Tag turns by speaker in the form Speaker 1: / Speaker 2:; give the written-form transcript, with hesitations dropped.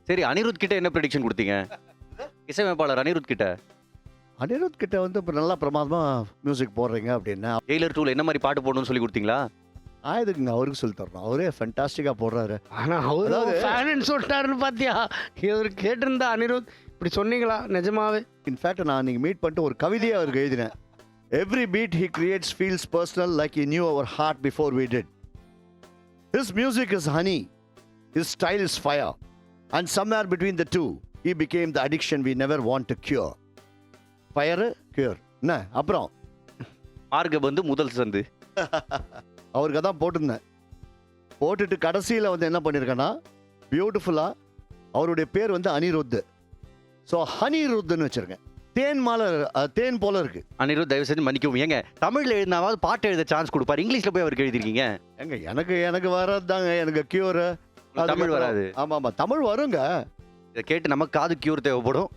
Speaker 1: சரி, அனிருத் கிட்ட என்ன ப்ரெடிக்ஷன் குடுத்தீங்க? இசையமைப்பாளர் அனிருத் கிட்ட.
Speaker 2: அனிருத் கிட்ட வந்து இப்போ நல்லா பிரமாதமா மியூசிக் போடுறீங்க அப்படின்னா,
Speaker 1: டெய்லர் 2ல என்ன மாரி பாட்டு போடணும்னு சொல்லி குடுத்தீங்களா?
Speaker 2: எதுக்குங்க அவருக்கு சொல்லி தரணும். அவரே ஃபென்டாஸ்டிக்கா போடுறாரு.
Speaker 3: ஆனா அவரு
Speaker 2: அதாவது-
Speaker 3: ஃபேனுன்னு சொல்லிட்டாருன்னு பாத்தியா? இவர் கேட்டிருந்தா அனிருத் இப்படி சொன்னீங்களா நிஜமாவே?
Speaker 2: இன்ஃபேக்ட் நான் அன்னைக்கு மீட் பண்ணிட்டு ஒரு கவிதையை அவருக்கு எழுதினேன். Every beat he creates feels personal like he knew our heart before we did. His music is honey, his style is fire, and somewhere between the two, he became the addiction we never want to cure. Fire, cure. என்ன அப்புறம்
Speaker 1: மார்க வந்து முதல் சந்து.
Speaker 2: அவருக்கு தான் போட்டிருந்தேன். போட்டுட்டு கடைசியில் வந்து என்ன பண்ணியிருக்கேன்னா, பியூட்டிஃபுல்லாக அவருடைய பேர் வந்து அனிருத். ஸோ ஹனிருத்துன்னு வச்சுருக்கேன். தேன் மாலை, தேன் போல இருக்கு.
Speaker 1: அனிருத் தயவு செஞ்சு மன்னிக்கவும். ஏங்க தமிழ்ல எழுதினாவது பாட்டு எழுத சான்ஸ் கொடுப்பாரு. இங்கிலீஷ்ல போய் அவருக்கு எழுதிருக்கீங்க.
Speaker 2: ஏங்க எனக்கு வர்றது தாங்க, எனக்கு கியூர்.
Speaker 1: தமிழ் வராது.
Speaker 2: ஆமாம் தமிழ் வருங்க.
Speaker 1: இதை கேட்டு நமக்கு காது கியூர் தேவைப்படும்.